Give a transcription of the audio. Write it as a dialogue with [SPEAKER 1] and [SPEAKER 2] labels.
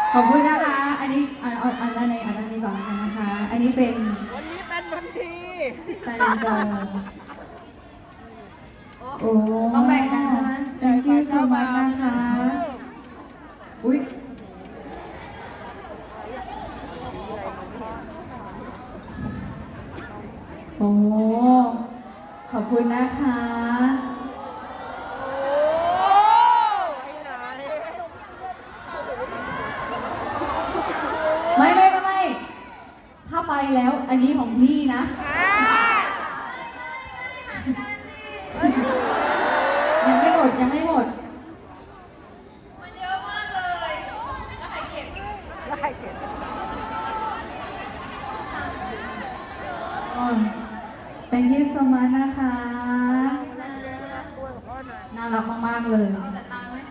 [SPEAKER 1] ขอบคุณนะคะอันนี้อันนี้ก่อนแล้วกันนะคะอันนี้เป็น
[SPEAKER 2] วันนี้เป็นวันดี
[SPEAKER 1] แฟนเดิมโอ้
[SPEAKER 3] ต้องแบ่งกันใช่ไหม
[SPEAKER 1] thank you so much นะคะอุ้ยโอ้ขอบคุณนะคะไม่ถ้าไปแล้วอันนี้ของพี่นะยังไม่หมดมันเยอะ
[SPEAKER 3] มากเลยแล้วใครเก็บ
[SPEAKER 1] thank you so much นะคะน่ารักมากๆเลย
[SPEAKER 3] เอาแต่ตังค์ไหม